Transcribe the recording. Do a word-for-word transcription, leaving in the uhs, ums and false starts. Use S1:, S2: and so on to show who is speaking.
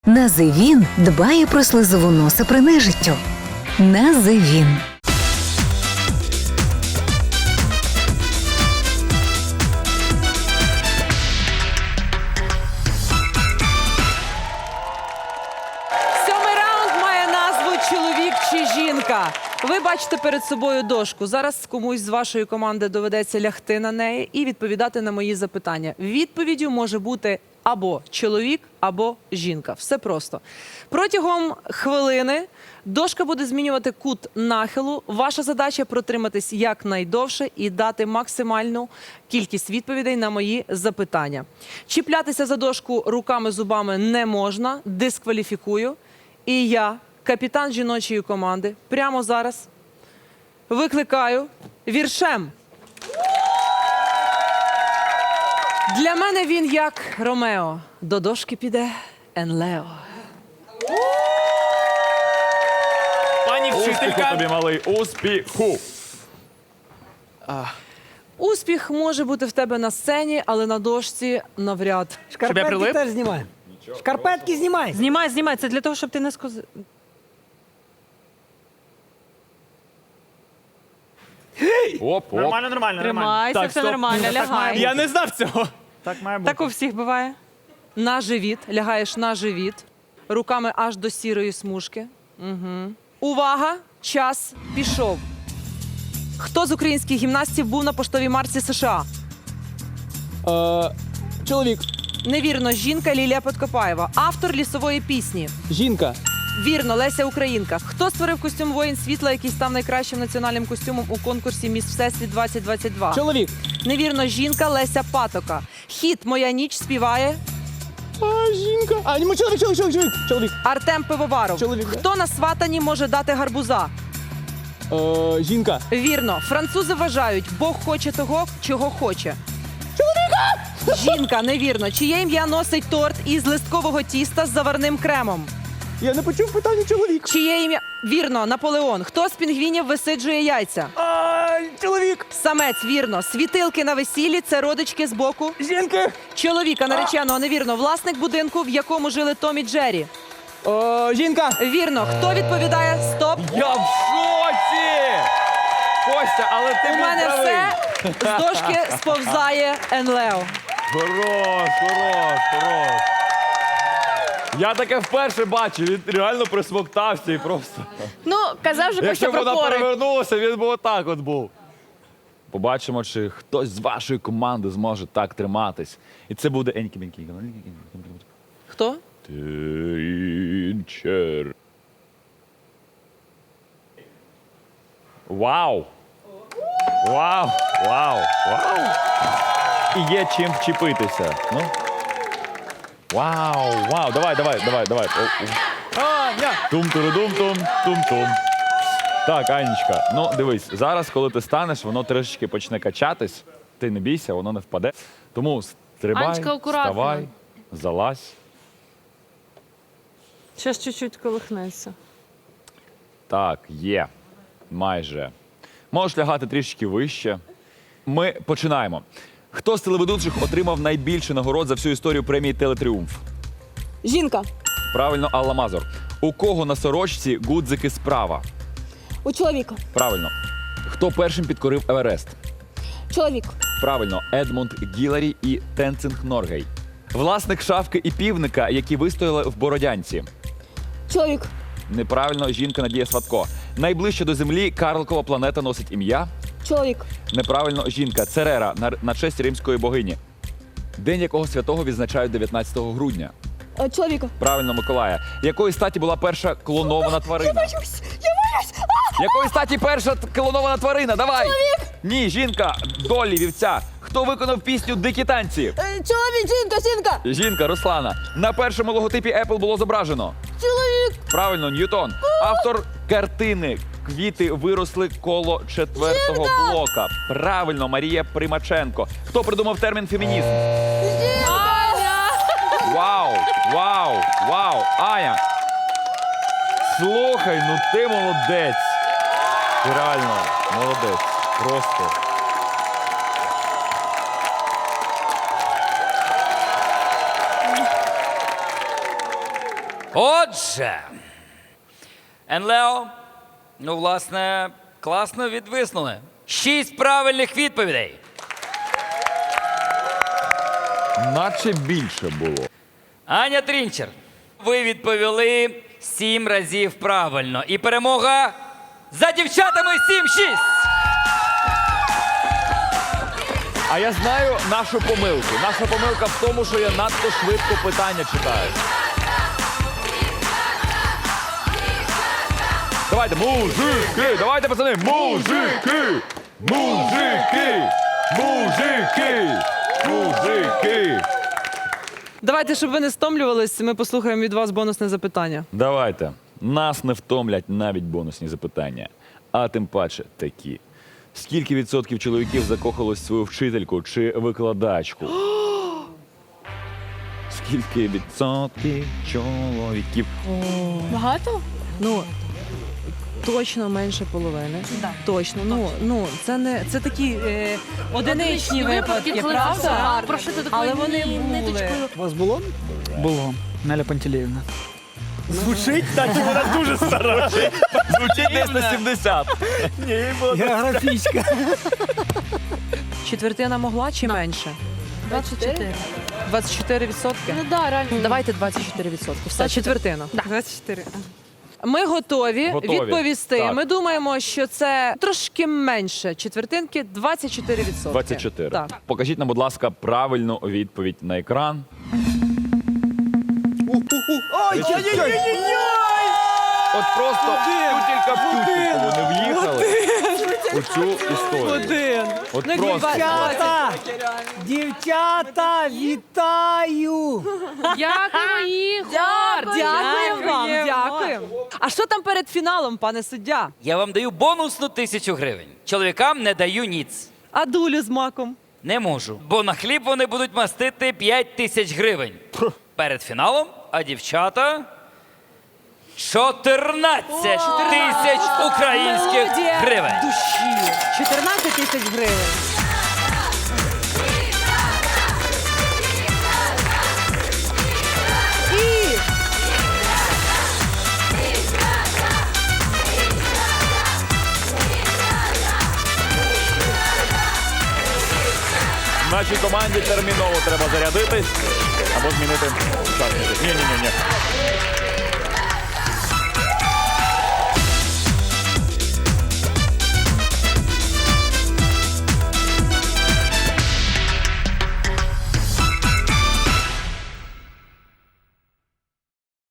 S1: Називін дбає про слизову носа при нежиттю. Називін.
S2: Сьомий раунд має назву «Чоловік чи жінка». Ви бачите перед собою дошку. Зараз комусь з вашої команди доведеться лягти на неї і відповідати на мої запитання. Відповіддю може бути або чоловік, або жінка. Все просто. Протягом хвилини дошка буде змінювати кут нахилу. Ваша задача – протриматись якнайдовше і дати максимальну кількість відповідей на мої запитання. Чіплятися за дошку руками-зубами не можна, дискваліфікую. І я, капітан жіночої команди, прямо зараз викликаю віршем. Для мене він як Ромео. До дошки піде Енлео.
S3: Пані
S4: Успіху
S3: вчителька.
S4: тобі, малий, успіху.
S2: Успіх може бути в тебе на сцені, але на дошці навряд.
S3: я прилип?
S5: Шкарпетки теж знімай. Шкарпетки знімай.
S6: Знімай, знімай. Це для того, щоб ти не скоз...
S4: Оп, оп.
S3: Нормально, нормально, нормально.
S6: Тримайся,
S3: Так,
S6: все
S3: стоп.
S6: нормально,
S3: Так має
S6: лягай.
S3: бути. Я не знав цього. Так має бути.
S6: Так у всіх буває.
S2: На живіт, лягаєш на живіт, руками аж до сірої смужки. Угу. Увага! Час пішов. Хто з українських гімнастів був на поштовій марці США?
S5: Е, чоловік.
S2: Невірно, жінка Лілія Подкопаєва. Автор лісової пісні.
S5: Жінка.
S2: Вірно, Леся Українка. Хто створив костюм «Воїн світла», який став найкращим національним костюмом у конкурсі «Міс Всесвіт двадцять двадцять два»?
S5: Чоловік.
S2: Невірно, жінка Леся Патока. Хіт «Моя ніч» співає
S5: А, жінка. А, ні, чоловік, чоловік, чоловік, чоловік. Чоловік.
S2: Артем Пивоваров.
S5: Чоловік, да.
S2: Хто на сватанні може дати гарбуза?
S5: Е, жінка.
S2: Вірно, французи вважають, Бог хоче того, чого хоче. Чоловіка! Жінка, невірно. Чиє ім'я носить торт із листкового тіста з заварним кремом?
S5: Я не почув питання чоловік.
S2: Чиє ім'я... Вірно, Наполеон. Хто з пінгвінів висиджує яйця?
S5: А, чоловік.
S2: Самець, вірно. Світилки на весіллі – це родички з боку.
S5: Жінки.
S2: Чоловіка, нареченого, невірно. Власник будинку, в якому жили Том і Джері.
S5: Е, жінка.
S2: Вірно. Хто відповідає? Стоп.
S4: Я в шоці! Костя, але ти
S2: У
S4: був
S2: мене
S4: правий.
S2: все. З дошки сповзає Енлео.
S4: Хорош, хорош, хорош. Я таке вперше бачив, він реально присмоктався і просто.
S7: Ну, казав же Костя
S4: Якщо б
S7: про
S4: вона
S7: пори.
S4: перевернулася, він би отак от був. Побачимо, чи хтось з вашої команди зможе так триматись. І це буде Енькі-Бенькі.
S2: Хто?
S4: Тінчер. Вау! Вау! Вау! Вау! І є чим вчепитися. Ну. Вау! Вау! Давай, давай, давай, давай. О, о.
S3: Аня!
S4: Тум-туру-дум-тум, тум-тум. Так, Анечка, ну дивись, зараз, коли ти станеш, воно трішечки почне качатись. Ти не бійся, воно не впаде. Тому стрибай,
S7: Анечка, акуратно.
S4: вставай, залазь.
S6: Ще ж чуть-чуть колихнеться.
S4: Так, є. Майже. Можеш лягати трішки вище. Ми починаємо. Хто з телеведучих отримав найбільше нагород за всю історію премії «Телетріумф»?
S8: Жінка.
S4: Правильно, Алла Мазур. У кого на сорочці гудзики справа?
S8: У чоловіка.
S4: Правильно. Хто першим підкорив Еверест?
S8: Чоловік.
S4: Правильно, Едмунд Гіларі і Тенцинг Норгей. Власник шавки і півника, які вистояли в Бородянці.
S8: Чоловік.
S4: Неправильно, жінка Надія Сватко. Найближче до Землі Карликова планета носить ім'я.
S8: Чоловік.
S4: Неправильно, жінка Церера на, на честь римської богині. День якого святого відзначають дев'ятнадцятого грудня.
S8: Е, Чоловіка.
S4: Правильно, Миколая. Якої статі була перша клонована тварина?
S8: Боюсь. Я боюсь. А!
S4: Якої статі перша т- клонована тварина? Давай!
S8: Чоловік.
S4: Ні, жінка, Долі, вівця. Хто виконав пісню «Дикі танці»?
S8: Е, Чоловік. Жінка. Жінка.
S4: Жінка, Руслана. На першому логотипі Apple було зображено.
S8: Чоловік.
S4: Правильно, Ньютон. Автор картини «Квіти виросли коло четвертого блока». Правильно, Марія Примаченко. Хто придумав термін фемінізм? Вау, вау, вау, Аня. Слухай, ну ти молодець. Ти реально молодець. Просто.
S7: Отже, Енлео, ну, власне, класно відвиснули. Шість правильних відповідей.
S4: Наче більше було.
S7: Аня Трінчер, ви відповіли сім разів правильно. І перемога за дівчатами сім-шість.
S4: А я знаю нашу помилку. Наша помилка в тому, що я надто швидко питання читаю. Давайте, мужики! Давайте, пацани! Мужики! Мужики! Мужики! Мужики!
S2: Давайте, щоб ви не стомлювались, ми послухаємо від вас бонусне запитання.
S4: Давайте. Нас не втомлять навіть бонусні запитання. А тим паче такі. Скільки відсотків чоловіків закохалось в свою вчительку чи викладачку? Скільки відсотків чоловіків?
S8: Багато?
S2: Ну, точно менше половини. Точно. Ну, ну, це не це такі е, одиничні випадки, правда?
S8: Про що ти такою
S2: Але вони
S8: ні-
S2: були.
S8: ниточкою?
S3: У вас було? Було. Неля Пантелеївна. Звучить, так і вона дуже стара.
S4: Звучить десь на сімдесят.
S3: Географічка.
S2: Четвертина могла чи менше?
S8: двадцять чотири.
S2: двадцять чотири відсотки?
S8: Ну да, реально.
S2: Давайте двадцять чотири відсотки. Все, четвертина.
S6: двадцять чотири.
S2: Ми готові,
S4: Готові.
S2: відповісти.
S4: Так.
S2: Ми думаємо, що це трошки менше четвертинки, двадцять чотири відсотки.
S4: двадцять чотири.
S2: Так.
S4: Покажіть нам, будь ласка, правильну відповідь на екран. От просто тютелька в тютельку вони в'їхали у цю історію.
S2: Один.
S4: От
S2: Ну,
S4: просто.
S2: дівчата,
S3: Дівчата, вітаю!
S6: Дякую, Ігор!
S2: Дякуємо вам, дякуємо. А що там перед фіналом, пане суддя?
S7: Я вам даю бонусну тисячу гривень. Чоловікам не даю ніц.
S2: А дулю з маком?
S7: Не можу, бо на хліб вони будуть мастити п'ять тисяч гривень. Перед фіналом, а дівчата чотирнадцять тисяч українських
S2: Мелодія
S7: гривень.
S2: душі. чотирнадцять тисяч гривень. І
S4: Нашій команді терміново треба зарядитись або змінити учасників. Ні-ні-ні.